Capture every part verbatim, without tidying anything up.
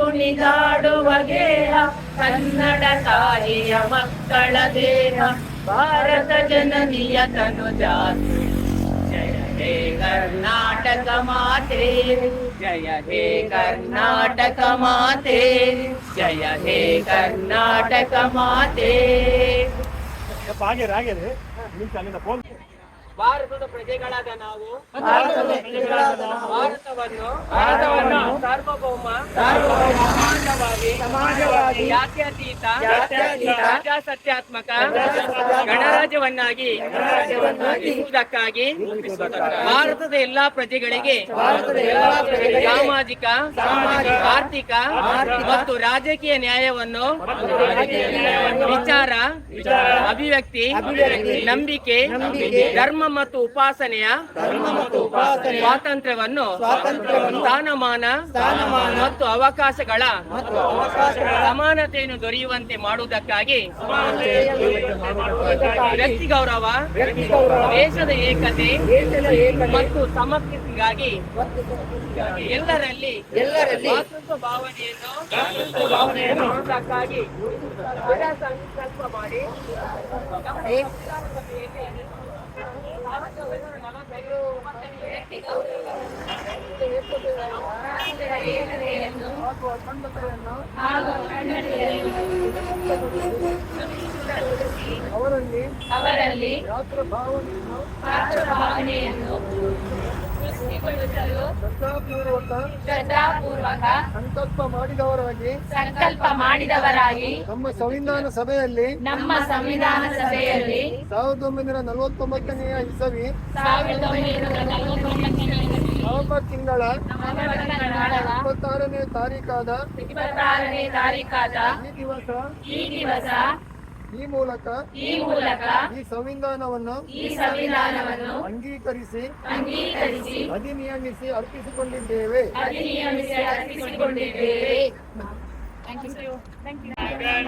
ಕುಣಿದಾಡುವ ಗೇಹ ಕನ್ನಡ ತಾಯಿಯ ಮಕ್ಕಳ ದೇಹ ಭಾರತ ಜನನಿಯ ತನು ಜಾತಿ ಜಯ ಹೇ ಕರ್ನಾಟಕ ಮಾತೆ ಜಯ ಹೇ ಕರ್ನಾಟಕ ಮಾತೆ ಜಯ ಹೇ ಕರ್ನಾಟಕ ಮಾತೆ. ಭಾರತದ ಪ್ರಜೆಗಳಾದ ನಾವು ಭಾರತವನ್ನು ಭಾರತವನ್ನು ಸಾರ್ವಭೌಮ ಸಮಾಜವಾದಿ ಸಮಾಜವಾದಿ ಜಾತ್ಯತೀತ ಪ್ರಜಾಸತ್ತಾತ್ಮಕ ಗಣರಾಜ್ಯವನ್ನಾಗಿ ರೂಪಿಸುವುದಕ್ಕಾಗಿ ಭಾರತದ ಎಲ್ಲಾ ಪ್ರಜೆಗಳಿಗೆ ಸಾಮಾಜಿಕ ಆರ್ಥಿಕ ಮತ್ತು ರಾಜಕೀಯ ನ್ಯಾಯವನ್ನು ವಿಚಾರ ಅಭಿವ್ಯಕ್ತಿ ನಂಬಿಕೆ ಧರ್ಮ ಮತ್ತು ಉಪಾಸನೆಯ ಸ್ವಾತಂತ್ರ್ಯವನ್ನು ಸ್ಥಾನಮಾನ ಮತ್ತು ಅವಕಾಶಗಳ ಸಮಾನತೆಯನ್ನು ದೊರೆಯುವಂತೆ ಮಾಡುವುದಕ್ಕಾಗಿ ವ್ಯಕ್ತಿ ಗೌರವ ದೇಶದ ಏಕತೆ ಮತ್ತು ಸಮಗ್ರತೆಗಾಗಿ ಎಲ್ಲರಲ್ಲಿ ಮಾತೃತ್ವ ಭಾವನೆಯನ್ನು ಮಾಡುವುದಕ್ಕಾಗಿ ಸಂಕಲ್ಪ ಮಾಡಿ ಅವರಲ್ಲಿ ಅವರಲ್ಲಿ ಭಾವನೆಯನ್ನು ಶ್ರದ್ಧಾಪೂರ್ವಕ ಸಂಕಲ್ಪ ಮಾಡಿದವರಾಗಿ ಸಂಕಲ್ಪ ಮಾಡಿದವರಾಗಿ ನಮ್ಮ ಸಂವಿಧಾನ ಸಭೆಯಲ್ಲಿ ನಮ್ಮ ಸಂವಿಧಾನ ಸಭೆಯಲ್ಲಿ ಸಾವಿರದ ಒಂಬೈನೂರ ನಲವತ್ತೊಂಬತ್ತನೆಯ ಇಸವಿ ಸಾವಿರದ ಒಂಬೈನೂರ ನಲವತ್ತೊಂಬತ್ತನೆಯ ನವೆಂಬರ್ ತಿಂಗಳ ಇಪ್ಪತ್ತಾರನೇ ತಾರೀಕಾದ ಇಪ್ಪತ್ತಾರನೇ ತಾರೀಕಾದ ಈ ದಿವಸ ಈ ದಿವಸ ಈ ಮೂಲಕ ಈ ಮೂಲಕ ಈ ಸಂವಿಧಾನವನ್ನು ಈ ಸಂವಿಧಾನವನ್ನು ಅಂಗೀಕರಿಸಿ ಅಂಗೀಕರಿಸಿ ಅಧಿನಿಯಮಿಸಿ ಅರ್ಪಿಸಿಕೊಂಡಿದ್ದೇವೆ ಅಧಿನಿಯಮಿಸಿ ಅರ್ಪಿಸಿಕೊಂಡಿದ್ದೇವೆ. Thank you thank you.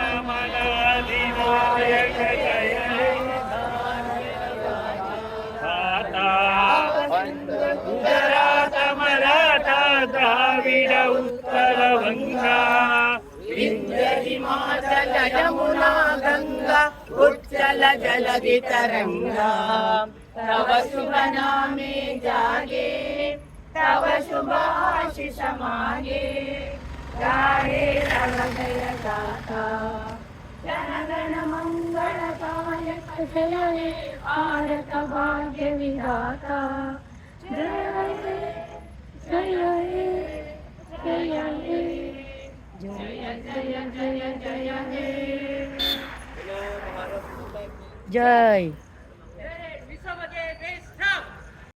Gujarat Maratha Dravida ಉತ್ತರ ವಂಗ ವಿಂಧ್ಯ ಹಿಮಾಚಲ ಯಮುನಾ ಗಂಗಾ ಉಚ್ಚಲ ಜಲಧಿ ತರಂಗಾ ತವ ಶುಭ ನಾಮೆ ಜಾಗೆ ತವ ಶುಭ ಆಶಿಷ ಮಾಗೆ ಗಾಯೇ ತವ ಜಯ ಗಾಥಾ ಜನಗಣ ಮಂಗಳದಾಯಕ ಜಯ ಹೇ ಭಾರತ ಭಾಗ್ಯ ವಿಧಾತ ಜಯ ಹೇ ಜಯ ಹೇ ಜಯ ಹೇ जय जय जय जय जय जय